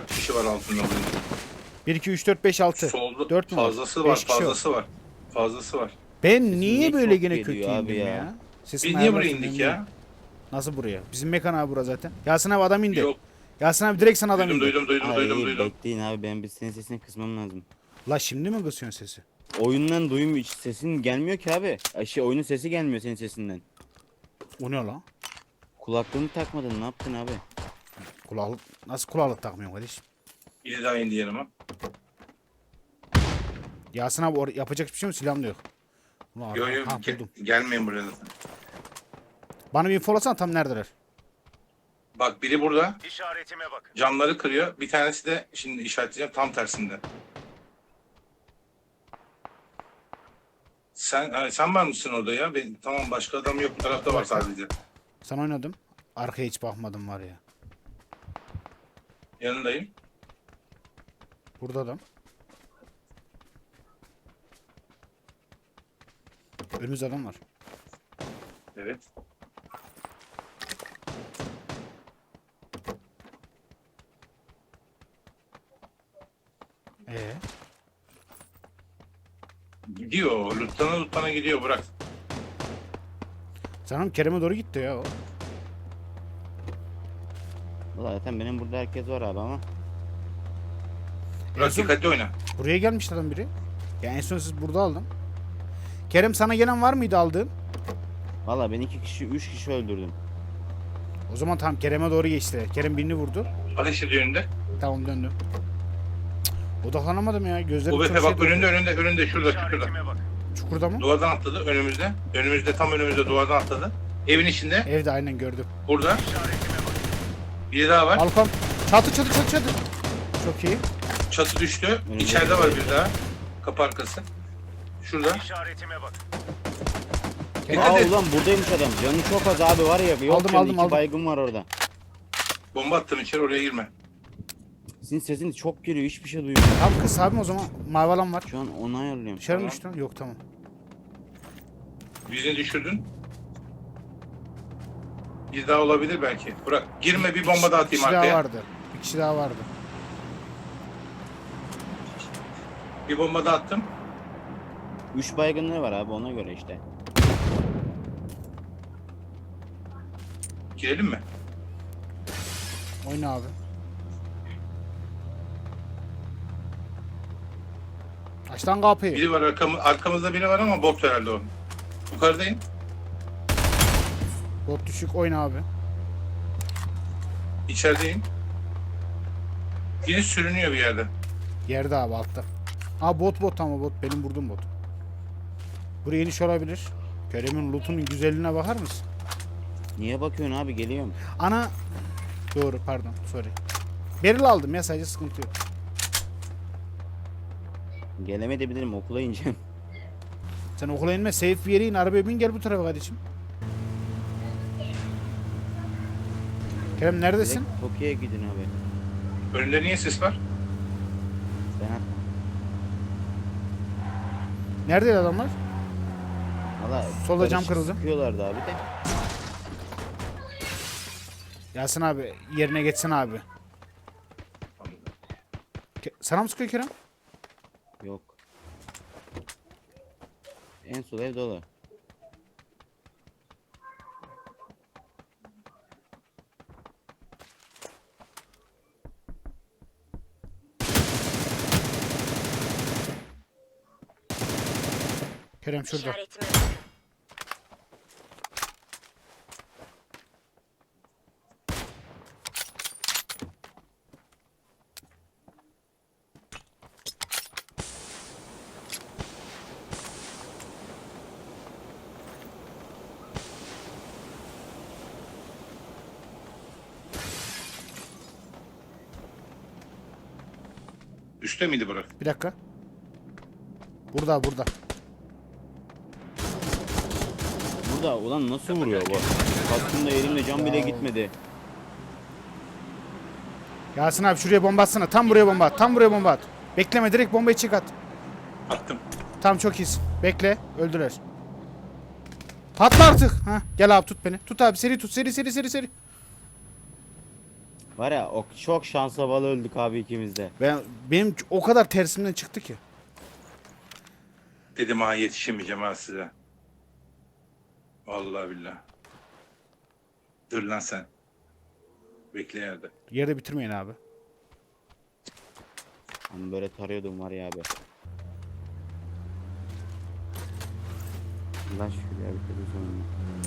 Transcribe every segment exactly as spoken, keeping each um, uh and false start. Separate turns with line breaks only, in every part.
dört kişi var altında bunun.
bir iki üç dört beş altı.
Solda
dört mü var?
fazlası var,
beş kişi
fazlası var. Fazlası var.
Ben
Sesim
niye
niye
böyle
çok
gene
geliyor
kötü
abi
indim ya?
ya?
Sesim
Biz niye buraya
ayarlarsın,
indik
emin
ya?
Nasıl buraya? Bizim mekan abi bura zaten. Yasin abi adam indi.
Yok.
Yasin abi direkt sana adam
Duydum,
indi.
duydum, duydum, duydum,
Hayır
duydum.
bekleyin abi, ben bir senin sesini kısmam lazım.
La şimdi mi kısıyorsun sesi?
Oyundan duyum sesin gelmiyor ki abi. Ay Şey oyunun sesi gelmiyor senin sesinden.
O ne lan?
Kulaklığını takmadın, ne yaptın abi?
Kulaklık. Nasıl kulaklık takmıyorsun kardeşim?
Biri daha indi yanıma.
Yasin abi or- yapacak bir şey mi? Silahım da yok. Ulan
Yo
adam-
yo
ha,
ge-
buldum.
gelmeyin buraya zaten.
Bana bir infolasana tam neredeler?
Bak biri burada.
İşaretime bakın.
Camları kırıyor. Bir tanesi de şimdi işaretleyeceğim tam tersinde. Sen ha, sen var mısın orada ya? Ben, tamam başka adam yok bu tarafta var sadece.
Sen oynadım. Arkaya hiç bakmadım var ya.
Yanındayım.
Burada adam. Önümüzde adam var.
Evet.
Ee,
Gidiyor. Luttana luttana gidiyor bırak.
sanırım Kerem'e doğru gitti ya o.
Valla zaten benim burada herkes var abi ama.
Bırak
son-
dikkatli oyna.
Buraya gelmiş adam biri. Ya en son siz burada aldım. Kerem sana gelen var mıydı aldığın?
Valla ben iki kişi, üç kişi öldürdüm.
O zaman tam Kerem'e doğru geçti. Kerem birini vurdu.
Ateş ediyor önünde.
Tamam döndüm. Cık, odaklanamadım ya. Gözlerim
Bu
çok
befe bak
şey
önünde önünde önünde şurada şurada.
İşaretime bakın.
Çukurda mı?
Duvardan atladı önümüzde. Önümüzde tam önümüzde duvardan atladı. Evin içinde.
Evde aynen gördüm.
Burada.
İşaretime bakın.
Biri daha var.
Balkon. Çatı çatı çatı çatı. Çok iyi.
Çatı düştü.
Önünde.
İçeride var bir daha. Kapı arkası. Şurada.
İşaretime bakın.
Dikkat
Aa
et.
ulan buradaymış adam. Canı çok az abi var ya. Yok
Aldım,
canı,
aldım,
iki
aldım.
baygın var orada.
Bomba attım içeri oraya girme.
Sizin sesiniz çok geliyor, hiçbir şey duymuyorum.
Tam kız abim o zaman mavi alan var.
Şu an onu ayarlıyorum.
Dışarı mı
Tamam.
düştü? Yok tamam.
Birini düşürdün. Bir daha olabilir belki. Bırak. Girme bir bomba daha
Bir
atayım
kişi daha
arkaya.
vardı. Bir kişi daha vardı.
Bir bomba daha attım.
Üç baygınları var abi, ona göre işte.
Girelim mi?
Oyna abi. Aç lan kapıyı.
Biri var arkamı, arkamızda biri var ama bot herhalde o. Yukarıdayım.
Bot düşük oyna abi.
İçerideyim. Biri sürünüyor bir yerde.
Yerde abi altta. Aa bot bot ama bot. Benim vurdum bot. Buraya iniş olabilir. Kerem'in lootunun güzelliğine bakar mısın?
Niye bakıyorsun abi, geliyorum.
Ana. Doğru pardon sorry. Beril aldım ya sadece sıkıntı yok.
Gelemeyebilirim, okula ineceğim.
Sen okula inme safe bir yere in arabaya bin gel bu tarafa kardeşim. Kerem neredesin?
Direkt Tokyo'ya gidin abi.
Önünde niye ses var?
Ben at.
Neredeydi adamlar?
Valla
Solda cam
karışık
kırıldı.
Sıkıyorlardı abi de.
Yasin abi yerine geçsin abi. Ke- Sana mı sıkıyor Kerem?
Yok. En sol ev dolu.
Kerem şurada.
İşaretime bakın.
Üste miydi bırak?
Bir dakika. Burada burada.
Burada ulan nasıl vuruyor bu? Kaskımda elimde can bile gitmedi.
Yasin abi şuraya bomba atsana. Tam buraya bomba at. Tam buraya bomba at. Bekleme direkt bombayı çık at.
Attım.
Tam çok iyisin. Bekle. Öldüler. Patla artık. Ha, gel abi tut beni. Tut abi seri tut. Seri seri seri seri.
Var ya o çok şansa bağlı öldük abi ikimiz de.
Ben benim o kadar tersimden çıktı ki.
Dedim ha yetişemeyeceğim ha size. Vallahi billahi. Dur lan sen. Bekle yerde.
Yerde bitirmeyin abi.
Ben böyle tarıyordum var ya abi. Allah şükür ya bitirdi sonunda.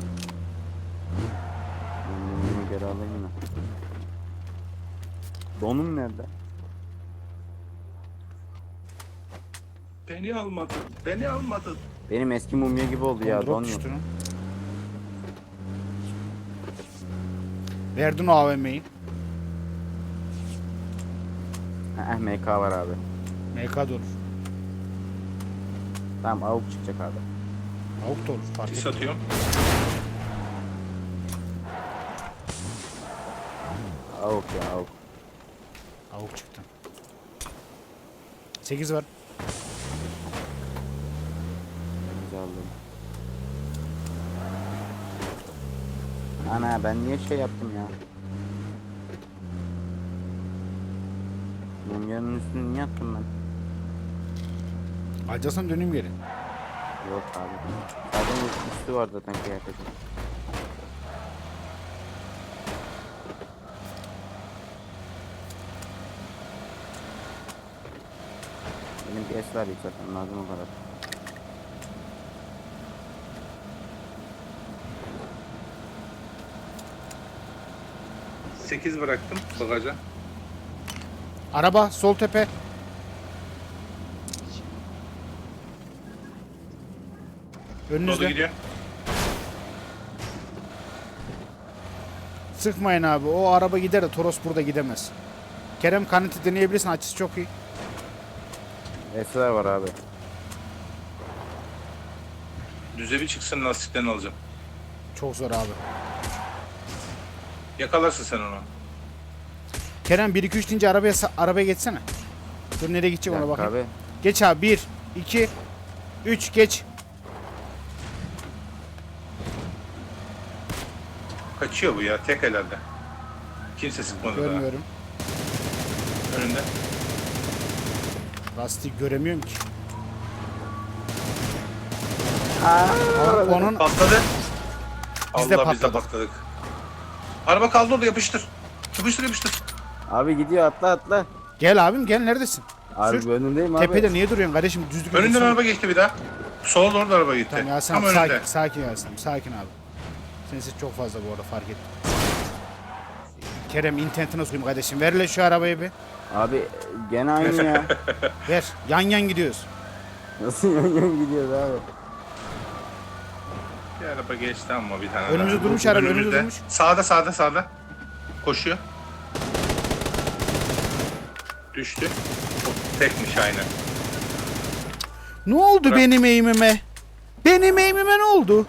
Ben bunu geri alayım yine. Donum nerede?
Beni almadın. Beni almadın.
Benim eski mumya gibi oldu ya
Drop
don yok.
düştü lan. Verdin o A V M'yi.
Heh M K var abi.
M K da olur.
Tamam avuk çıkacak abi.
Avuk da olur. Fark
Sis
etmez.
atıyorum.
Avuk ya avuk.
Avuk çıktı. sekiz var.
Güzel aldım. Ana ben niye şey yaptım ya? Mumyanın üstüne niye attım ben?
Alacaksan döneyim geri.
Yok abi. Zaten üstü var zaten kıyafetin. Benim bir es var yok zaten lazım o kadar.
sekiz bıraktım bagaja.
Araba sol tepe.
Dolu
Önünüzde.
gidiyor.
Sıkmayın abi. O araba gider de Toros burada gidemez. Kerem kanıtı deneyebilirsin. Açısı çok iyi.
Esler var abi.
Düze bir çıksın lastiklerini alacağım.
Çok zor abi.
Yakalarsın sen onu.
Kerem bir iki üç deyince arabaya sa- arabaya geçsene. Dur nereye gidecek ona
Yak
bakayım.
abi.
Geç abi. bir iki üç geç.
Kaçıyor bu ya tek herhalde. Kimse sıkmadı
Görmüyorum.
daha. Önünde.
Lastik göremiyorum ki.
Aa,
Onun
Patladı.
Biz de
Allah biz de
patladık.
patladık. Araba kaldı orada yapıştır. Yapıştır yapıştır.
abi gidiyor atla atla.
gel abim gel neredesin?
Abi
Sür.
önündeyim abi.
Tepede niye duruyorsun kardeşim? Düzlük
Önünden
yürüsene.
araba geçti bir daha. Sola doğru da araba gitti.
Tamam Yasin
Tam
abi
önünde.
sakin, sakin Yasin abi, sakin abi. Senin ses çok fazla bu arada fark ettim. Kerem internetine sokayım kardeşim. Ver hele şu arabayı bir.
Abi gene aynı ya.
Ver. Yan yan gidiyoruz.
Nasıl yan yan gidiyoruz abi?
Bir araba geçti ama bir tane
Önümüzde
daha.
durmuş araba, önümüzde durmuş.
Sağda sağda sağda. Koşuyor. Düştü. O tekmiş aynen.
Ne oldu
Bırak.
benim eğimime? Benim eğimime ne oldu?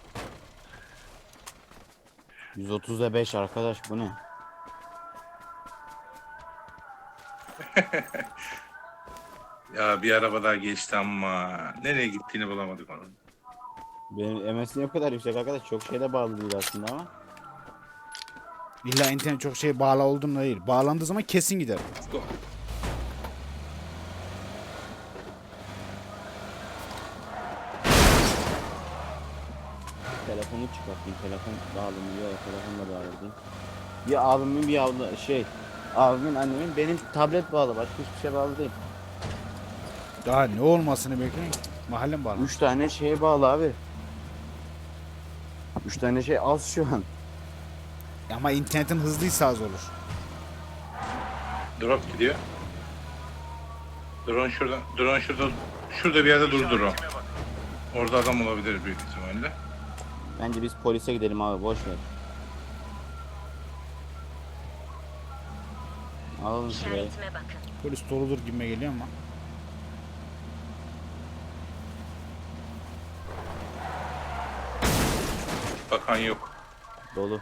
yüz otuzda beş arkadaş bu ne?
Ya bir araba daha geçti ama nereye gittiğini bulamadık onun.
Benim M S niye bu kadar yüksek arkadaş? Çok şeyde bağlı değil aslında ama.
İlla internet çok şey bağlı olduğunda değil. Bağlandığı zaman kesin gider.
Go.
Telefonu çıkartayım. Telefon bağlanıyor. Telefonla bağladım. Bir abimin bir abla şey. Abimin annemin benim tablet bağlı. Başka hiçbir şey bağlı değil.
Daha ne olmasını bekleyin. Mahallem bağlı.
Üç tane şeye bağlı abi. Üç tane şey az şu an.
Ama internetin hızlıysa az olur.
Drop gidiyor. Drone şurada. Drone şurada. Şurada bir yerde durdu drone.
İşaretime bak.
Orada adam olabilir büyük ihtimalle.
Bence biz polise gidelim abi boş ver. Alalım şurayı.
İşaretime bakın.
Polis doludur gibime geliyor ama.
Bakan yok.
Dolu.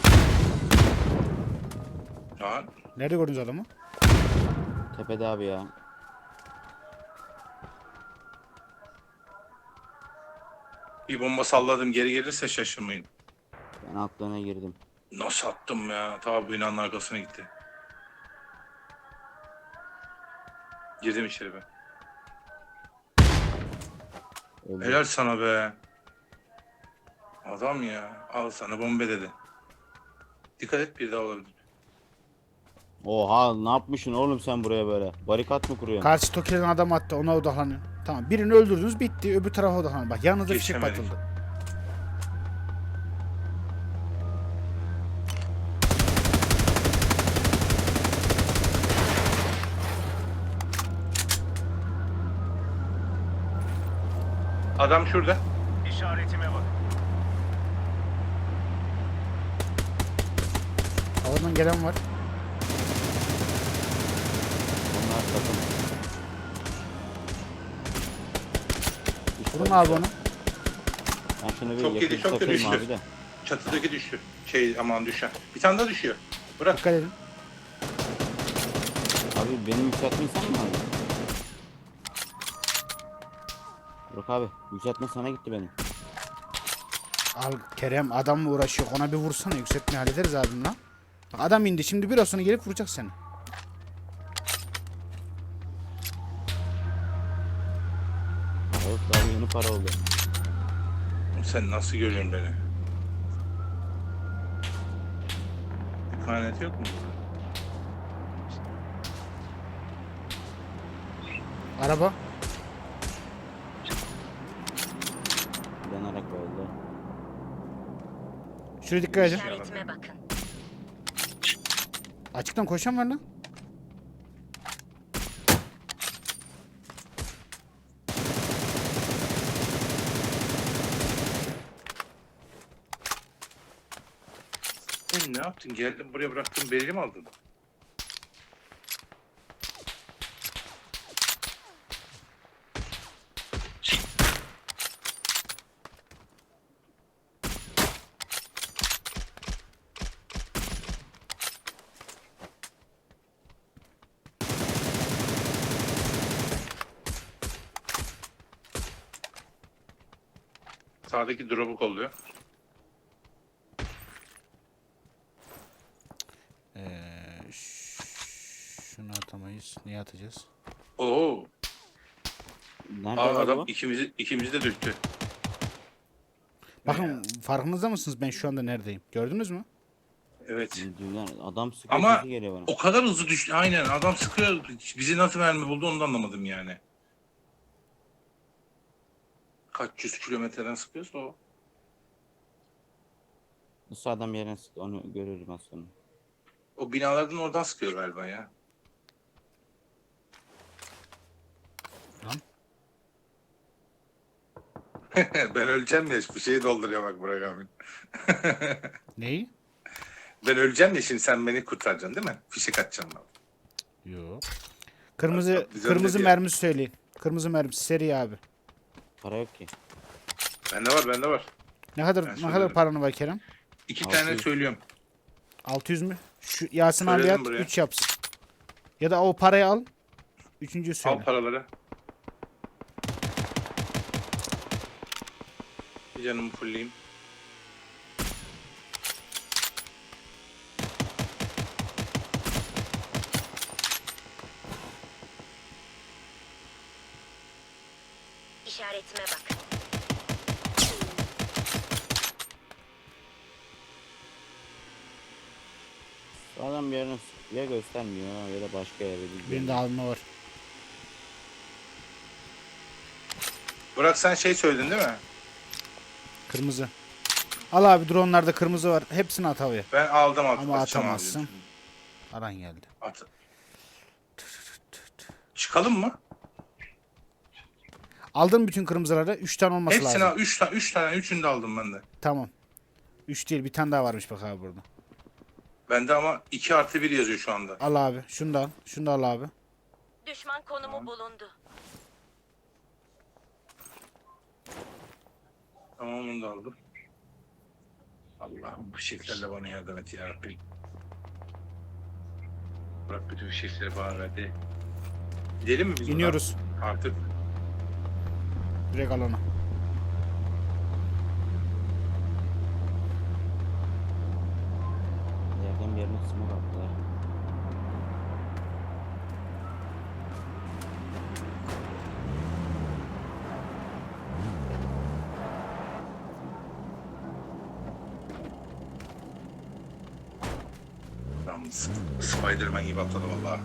Ya
Nerede gördünüz adamı?
Tepede abi ya.
bir bomba salladım geri gelirse şaşırmayın.
Ben altlarına girdim.
Nasıl attım ya? Ta bu binanın arkasına gitti. Girdim içeri ben.
Öldü.
Helal sana be. Adam ya. Al sana bombe dedi. Dikkat et, bir daha olabilir.
Oha, ne yapmışsın oğlum sen buraya böyle? Barikat mı kuruyorsun?
Karşı Toki'den adam attı, ona odaklanın. Tamam, birini öldürdünüz, bitti, öbür tarafa odaklanın. Bak yanınızda fişek
Geçemedik.
patıldı.
Adam şurada.
İşaretime bakın.
Havadan gelen var.
Onlar takım.
Vurun abi onu.
Ben şunu bir
Çok
yakın
yedi, çok da
takayım
düştü.
abi de.
Çatıdaki düştü. Şey aman düşen. Bir tane daha düşüyor. Bırak.
Dikkat edin.
Abi benim yükseltme sen mi aldın? Yok abi, yükseltme sana gitti benim.
Al Kerem, adamla uğraşıyor. Ona bir vursana, yükseltmeyi hallederiz abim lan. Bak adam indi, şimdi biraz sonra gelip vuracak seni.
Yok abi, yeni para oldu.
Sen nasıl görüyorsun beni? İhanet yok mu?
Araba.
Yanarak öldü.
Şuraya dikkat edin.
İşaretime bakın.
Açıktan koşan var lan.
Sen ne yaptın? Geldin buraya bıraktın, belli mi aldın? Sağdaki drop'u kolluyor.
Ee, ş- şunu atamayız. Niye atacağız?
Oo.
Nerede
Aa,
var
adam
o?
ikimizi ikimizi de döktü.
Bakın farkınızda mısınız ben şu anda neredeyim? Gördünüz mü?
Evet.
Dünya- Adam sıkıyor,
Ama
sesi geliyor bana.
o kadar hızlı düştü. Aynen, adam sıkıyor. Bizi nasıl mermi buldu onu da anlamadım yani. Kaç yüz kilometreden sıkıyorsa o.
Nasıl adam yerine sıktı, onu görürüm az sonra.
O binalardan oradan sıkıyor galiba ya.
Lan.
Ben öleceğim ya, bir şeyi dolduruyor bak Burak abi.
Neyi?
Ben öleceğim ya, şimdi sen beni kurtaracaksın değil mi? Fişek atacaksın bana.
Yok. Kırmızı
Bak, biz
kırmızı
önce bir-
mermi söyleyin. Kırmızı mermi seri abi.
Para yok ki.
Bende var, bende var.
Ne kadar
Ben
ne kadar
söylerim.
paranı var Kerem?
İki
Altı
tane
yüz.
söylüyorum.
altı yüz mü? Şu Yasin abi
Söyledim
at
buraya.
üç yapsın. Ya da o parayı al. Üçüncüyü söyle.
Al paraları. Bir canımı fullleyeyim.
İşaretime bakın.
Şu adam yerine sık- ya göstermiyor ya da başka yere gidiyor.
Benim de alma var.
Burak sen şey söyledin değil mi?
Kırmızı. Al abi, dronlarda kırmızı var. Hepsini at havaya.
Ben aldım at.
Ama
atacağım abi.
atamazsın. Aran geldi.
At. Çıkalım mı?
Aldın bütün kırmızıları. üç tane olması
Hepsini
lazım.
al. Üç tane, üç tane, üçünü de aldım ben de.
Tamam. üç değil, bir tane daha varmış bak abi burada.
Bende ama iki artı bir yazıyor şu anda.
Al abi. Şunu da al. Şunu da al abi.
Düşman konumu bulundu.
Tamam, onu da aldım. Allah'ım bu şekillerle bana yardım et ya Rabbim. Bırak bütün fişekleri bana verdi. Gidelim mi biz buradan?
İniyoruz.
Artık.
Direkt alana.
S- Spiderman gibi atladı vallahi.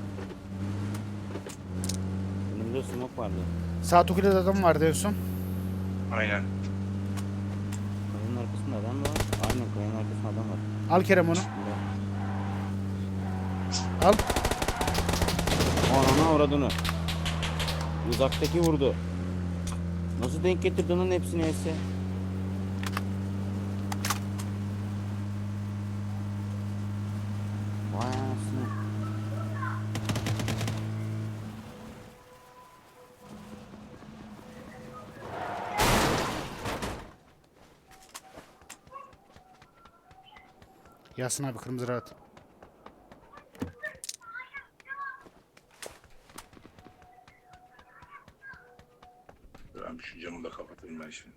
Önümde smoke vardı.
Sağ tukilede adam vardı en son.
Aynen.
Kayanın arkasında adam var. Aynen kayanın arkasında adam var.
Al Kerem onu.
Bunda.
Al.
Anana uğradığını. Uzaktaki vurdu. Nasıl denk getirdin onun hepsini esse? Vay anasını.
Yasin abi kırmızı rahat.
Ben şu camı da kapatayım ben şimdi.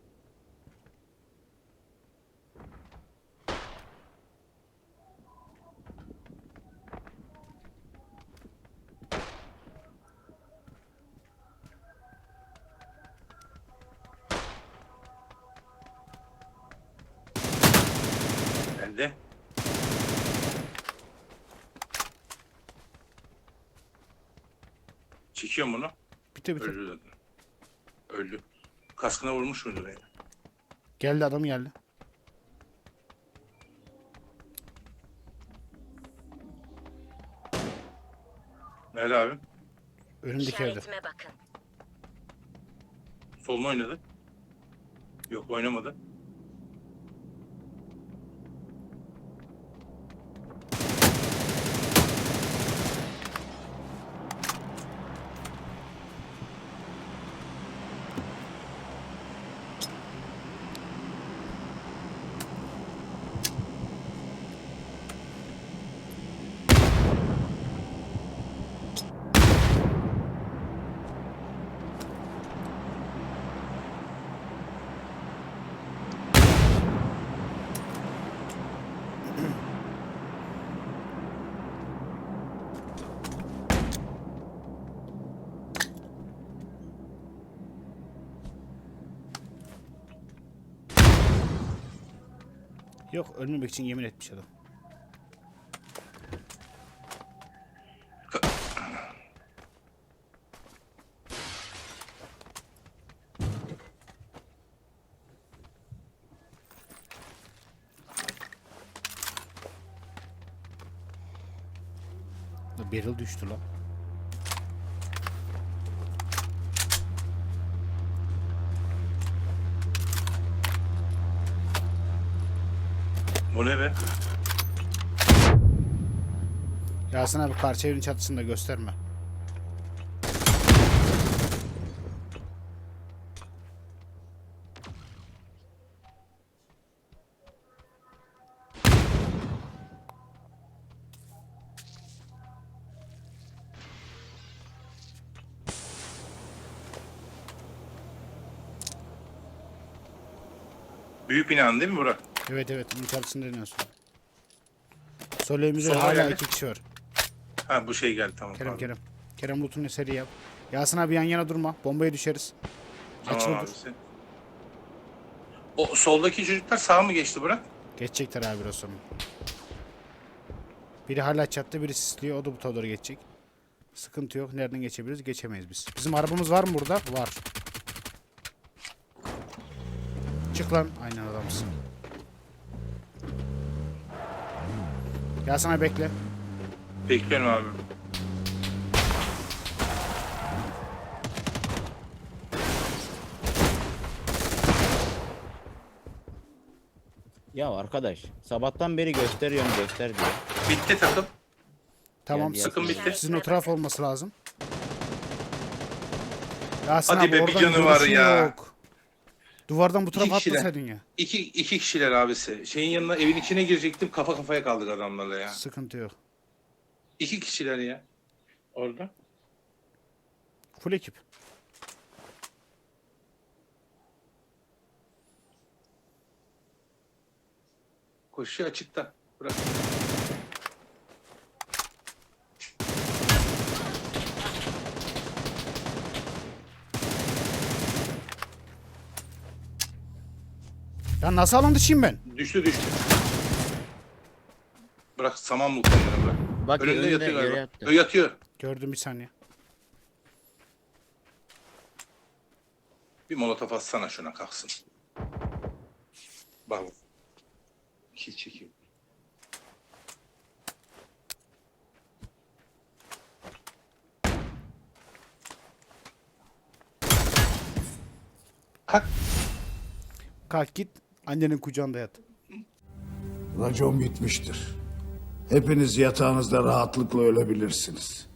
Nerede? Çekiyorum bunu.
Bitti bitti.
Öldü zaten. Öldü. Kaskına vurmuş muydu beni?
Geldi adam geldi.
Nerede abi?
Önümdeki evde.
İşaretime bakın.
Solunu oynadı. Yok oynamadı.
Yok ölmemek için yemin etmiş adam. Barrel düştü lan.
O ne be?
Yasin abi karşı evin çatısında gösterme.
Büyük binanın değil mi Burak?
Evet evet bunun çatısında deniyorsun. Sol evimizde
Sola
hala
geldi.
iki kişi var.
Ha bu şey geldi tamam.
Kerem
pardon.
Kerem. Kerem loot'unu seri yap. Yasin abi yan yana durma. Bombaya düşeriz.
Tamam
Açılı dur.
abisi. O soldaki çocuklar sağa mı geçti Burak?
Geçecekler abi biraz sonra. Biri hala çattı, biri sisliyor. O da bu tarafa doğru geçecek. Sıkıntı yok. Nereden geçebiliriz? Geçemeyiz biz. Bizim arabamız var mı burada? Var. Çık lan. Aynen adamsın. Yasin abi bekle.
Bekliyorum abi.
Ya arkadaş sabahtan beri gösteriyorum göster diyor.
Bitti takım.
Tamam.
Geldi
Sıkın
sık-
bitti.
Sizin o taraf olması lazım. Yasin
Hadi
abi
be, bir
oradan
canı var
görüşün
ya.
yok. Duvardan bu tarafa
İki kişiler.
atmasaydın ya.
İki, iki kişiler abisi. Şeyin yanına evin içine girecektim. Kafa kafaya kaldık adamlarla ya.
Sıkıntı yok.
İki kişiler ya. Orada.
Full ekip.
Koşuyor açıkta. Bırak.
Ya nasıl alan dışıyım ben?
Düştü düştü. Bırak saman mı kendini bırak.
Bak
Önünde
önünde
yatıyor
yere
galiba.
yattı.
Ö, yatıyor.
Gördüm bir saniye.
Bir molotof atsana şuna kalksın. Bak. Kil çekiyor. Kalk.
Kalk git annenin kucağında yat.
Racon bitmiştir. Hepiniz yatağınızda rahatlıkla ölebilirsiniz.